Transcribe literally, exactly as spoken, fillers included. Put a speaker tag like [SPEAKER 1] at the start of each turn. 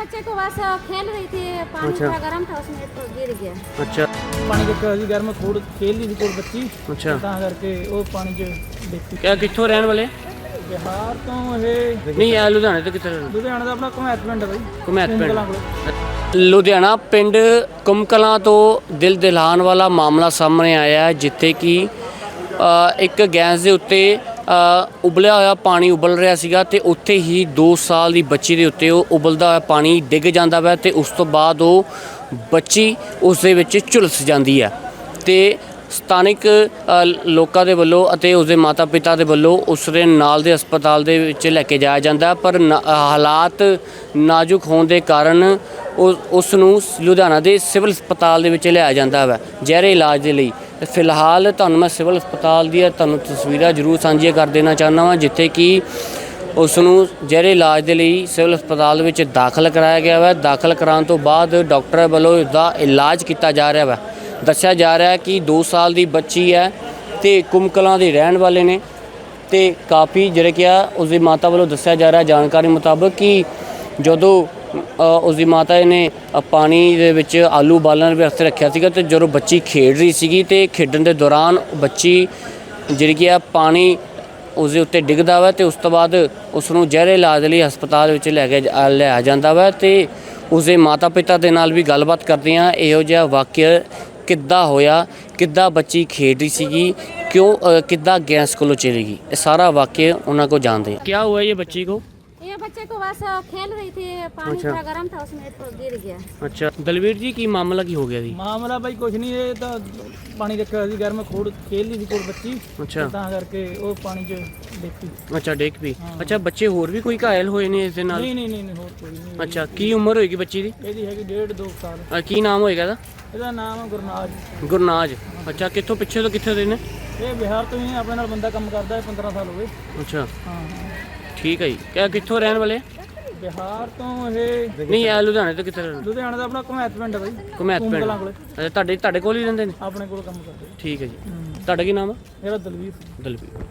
[SPEAKER 1] बच्चे को बस खेल रही थी, पानी
[SPEAKER 2] अच्छा।
[SPEAKER 1] थोड़ा गर्म था उसमें तो गिर गया।
[SPEAKER 2] अच्छा
[SPEAKER 3] पानी देखਿਆ ਸੀ ਗਰਮ ਖੂਡ ਖੇਲਦੀ ਸੀ ਕੋਲ ਬੱਚੀ
[SPEAKER 2] ਅੱਛਾ
[SPEAKER 3] ਤਾਂ ਕਰਕੇ ਉਹ ਪਾਣੀ 'ਚ ਦੇਖੀ।
[SPEAKER 2] ਕਿਆ ਕਿੱਥੋਂ ਰਹਿਣ ਵਾਲੇ?
[SPEAKER 3] ਬਿਹਾਰ ਤੋਂ ਇਹ
[SPEAKER 2] ਨਹੀਂ ਇਹ ਲੁਧਿਆਣੇ ਤੋਂ ਕਿੱਥੇ ਰਹਿਣ?
[SPEAKER 3] ਲੁਧਿਆਣਾ ਦਾ ਆਪਣਾ ਘੁਮੈਤ ਪਿੰਡ ਹੈ ਬਾਈ।
[SPEAKER 2] ਘੁਮੈਤ ਪਿੰਡ।
[SPEAKER 3] ਕਲਾਂ ਕੋਲ।
[SPEAKER 2] ਲੁਧਿਆਣਾ ਪਿੰਡ ਕੁਮਕਲਾਂ ਤੋਂ ਦਿਲ ਦਿਲਾਨ ਵਾਲਾ ਮਾਮਲਾ ਸਾਹਮਣੇ ਆਇਆ ਹੈ, ਜਿੱਥੇ ਕਿ ਅ, ਇੱਕ ਗੈਸ ਦੇ ਉੱਤੇ ਅ, ਉਬਲਿਆ ਹੋਇਆ ਪਾਣੀ ਉਬਲ ਰਿਹਾ ਸੀਗਾ ਤੇ ਉੱਥੇ ਹੀ ਦੋ ਸਾਲ ਦੀ ਬੱਚੀ ਦੇ ਉੱਤੇ ਉਹ ਉਬਲਦਾ ਹੋਇਆ ਪਾਣੀ ਡਿੱਗ ਜਾਂਦਾ ਵਾ ਤੇ ਉਸ ਤੋਂ ਬਾਅਦ ਉਹ ਬੱਚੀ ਉਸ ਦੇ ਵਿੱਚ ਝੁਲਸ ਜਾਂਦੀ ਹੈ ਤੇ ਸਥਾਨਿਕ ਅ, ਲੋਕਾਂ ਦੇ ਵੱਲੋਂ ਅਤੇ ਉਸਦੇ ਮਾਤਾ ਪਿਤਾ ਦੇ ਵੱਲੋਂ ਉਸ ਦੇ ਨਾਲ ਦੇ ਹਸਪਤਾਲ ਦੇ ਵਿੱਚ ਲੈ ਕੇ ਜਾਇਆ ਜਾਂਦਾ, ਪਰ ਨਾ- ਹਾਲਾਤ ਨਾਜ਼ੁਕ ਹੋਣ ਦੇ ਕਾਰਨ ਉਹ ਉਸ ਨੂੰ ਲੁਧਿਆਣਾ ਦੇ ਸਿਵਲ ਹਸਪਤਾਲ ਦੇ ਵਿੱਚ ਲਿਆਇਆ ਜਾਂਦਾ ਵਾ ਜ਼ਹਿਰੇ ਇਲਾਜ ਦੇ ਲਈ। ਤੇ ਫਿਲਹਾਲ ਤੁਹਾਨੂੰ ਮੈਂ ਸਿਵਲ ਹਸਪਤਾਲ ਦੀਆਂ ਤੁਹਾਨੂੰ ਤਸਵੀਰਾਂ ਜ਼ਰੂਰ ਸਾਂਝੀਆਂ ਕਰ ਦੇਣਾ ਚਾਹੁੰਦਾ ਵਾਂ, ਜਿੱਥੇ ਕਿ ਉਸ ਨੂੰ ਜ਼ਹਿਰੇ ਇਲਾਜ ਦੇ ਲਈ ਸਿਵਲ ਹਸਪਤਾਲ ਵਿੱਚ ਦਾਖਲ ਕਰਾਇਆ ਗਿਆ ਵਾ। ਦਾਖਲ ਕਰਾਉਣ ਤੋਂ ਬਾਅਦ ਡਾਕਟਰ ਵੱਲੋਂ ਇਸਦਾ ਇਲਾਜ ਕੀਤਾ ਜਾ ਰਿਹਾ ਵਾ। ਦੱਸਿਆ ਜਾ ਰਿਹਾ ਹੈ ਕਿ ਦੋ ਸਾਲ ਦੀ ਬੱਚੀ ਹੈ ਤੇ ਕੁਮਕਲਾਂ ਦੇ ਰਹਿਣ ਵਾਲੇ ਨੇ ਤੇ ਕਾਫੀ ਜਿਹੜੇ ਕਿ ਆ ਉਸਦੀ ਮਾਤਾ ਵੱਲੋਂ ਦੱਸਿਆ ਜਾ ਰਿਹਾ ਜਾਣਕਾਰੀ ਮੁਤਾਬਕ ਕਿ ਜਦੋਂ ਅ, ਉਸਦੀ ਮਾਤਾ ਨੇ ਅ, ਪਾਣੀ ਦੇ ਵਿੱਚ ਆਲੂ ਉਬਾਲਣ ਵਾਸਤੇ ਰੱਖਿਆ ਸੀਗਾ ਤੇ ਜਦੋਂ ਬੱਚੀ ਖੇਡ ਰਹੀ ਸੀਗੀ ਤੇ ਖੇਡਣ ਦੇ ਦੌਰਾਨ ਬੱਚੀ ਜਿਹੜੀ ਕਿ ਆ ਪਾਣੀ ਉਸਦੇ ਉੱਤੇ ਡਿੱਗਦਾ ਵਾ ਤੇ ਉਸ ਤੋਂ ਬਾਅਦ ਉਸ ਨੂੰ ਜ਼ਹਿਰੇ ਇਲਾਜ ਲਈ ਹਸਪਤਾਲ ਵਿੱਚ ਲੈ ਕੇ ਜਾ- ਲਿਆਇਆ ਜਾਂਦਾ ਵਾ ਤੇ ਉਸਦੇ ਮਾਤਾ ਪਿਤਾ ਦੇ ਨਾਲ ਵੀ ਗੱਲਬਾਤ ਕਰਦੇ ਹਾਂ ਇਹੋ ਜਿਹਾ ਵਾਕਿਆ ਕਿੱਦਾਂ ਹੋਇਆ, ਕਿੱਦਾਂ ਬੱਚੀ ਖੇਡ ਰਹੀ ਸੀਗੀ, ਕਿਉਂ ਅ, ਕਿੱਦਾਂ ਗੈਸ ਕੋਲੋਂ ਚਲੀ ਗਈ, ਇਹ ਸਾਰਾ ਵਾਕਿਆ ਉਹਨਾਂ को जानते हैं। क्या हुआ ये बच्ची को?
[SPEAKER 1] ये बच्चे को बस खेल रही थी, पानी
[SPEAKER 2] अच्छा।
[SPEAKER 1] थोड़ा गर्म था उसमें तो गिर गया।
[SPEAKER 2] अच्छा दलवीर जी की मामला की हो गया जी?
[SPEAKER 3] ਮਾਮਲਾ ਬਾਈ ਕੁਝ ਨਹੀਂ, ਇਹ ਤਾਂ ਪਾਣੀ ਦੇਖਿਆ ਸੀ ਗਰਮ ਖੂਡ ਖੇਲਦੀ ਸੀ ਕੋਲ ਬੱਚੀ
[SPEAKER 2] ਅੱਛਾ
[SPEAKER 3] ਤਾਂ ਕਰਕੇ ਉਹ ਪਾਣੀ 'ਚ ਦੇਖੀ।
[SPEAKER 2] ਅੱਛਾ ਡਿੱਗ ਪਈ। ਅੱਛਾ ਬੱਚੇ ਹੋਰ ਵੀ ਕੋਈ ਘਾਇਲ ਹੋਏ ਨੇ ਇਸ ਦੇ ਨਾਲ?
[SPEAKER 3] ਨਹੀਂ ਨਹੀਂ ਨਹੀਂ ਨਹੀਂ, ਹੋਰ ਕੋਈ ਨਹੀਂ।
[SPEAKER 2] ਅੱਛਾ ਕੀ ਉਮਰ ਹੋਏਗੀ ਬੱਚੀ ਦੀ?
[SPEAKER 3] ਇਹਦੀ ਹੈਗੀ ਡੇਢ ਦੋ ਸਾਲ।
[SPEAKER 2] ਅ, ਕੀ ਨਾਮ ਹੋਏਗਾ ਇਹਦਾ?
[SPEAKER 3] ਇਹਦਾ ਨਾਮ ਹੈ ਗੁਰਨਾਜ।
[SPEAKER 2] ਗੁਰਨਾਜ। ਅੱਛਾ ਕਿੱਥੋਂ ਪਿੱਛੇ ਤੋਂ ਕਿੱਥੇ ਦੇ ਨੇ?
[SPEAKER 3] ਇਹ ਬਿਹਾਰ ਤੋਂ ਹੀ ਹੈ, ਆਪਣੇ ਨਾਲ ਬੰਦਾ ਕੰਮ ਕਰਦਾ ਹੈ, ਪੰਦਰਾਂ ਸਾਲ ਹੋ ਗਏ।
[SPEAKER 2] ਅੱਛਾ
[SPEAKER 3] ਹਾਂ ਹਾਂ।
[SPEAKER 2] ਠੀਕ ਹੈ ਜੀ। ਕਿਆ ਕਿੱਥੋਂ ਰਹਿਣ ਵਾਲੇ?
[SPEAKER 3] ਬਿਹਾਰ ਤੋਂ ਇਹ
[SPEAKER 2] ਨਹੀਂ ਇਹ ਲੁਧਿਆਣੇ ਤੋਂ ਕਿੱਥੇ ਰਹਿਣ?
[SPEAKER 3] ਲੁਧਿਆਣਾ ਦਾ ਆਪਣਾ ਘੁਮੈਤ ਪਿੰਡ ਹੈ ਬਾਈ।
[SPEAKER 2] ਘੁਮੈਤ ਪਿੰਡ।
[SPEAKER 3] ਕਲਾਂ ਕੋਲੇ।
[SPEAKER 2] ਅੱਛਾ ਤੁਹਾਡੇ ਤੁਹਾਡੇ ਕੋਲ ਹੀ ਰਹਿੰਦੇ ਨੇ?
[SPEAKER 3] ਆਪਣੇ ਕੋਲ ਕੰਮ ਕਰਦੇ।
[SPEAKER 2] ਠੀਕ ਹੈ ਜੀ। ਤੁਹਾਡਾ ਕੀ ਨਾਮ ਹੈ?
[SPEAKER 3] ਮੇਰਾ ਦਲਵੀਰ।
[SPEAKER 2] ਦਲਵੀਰ।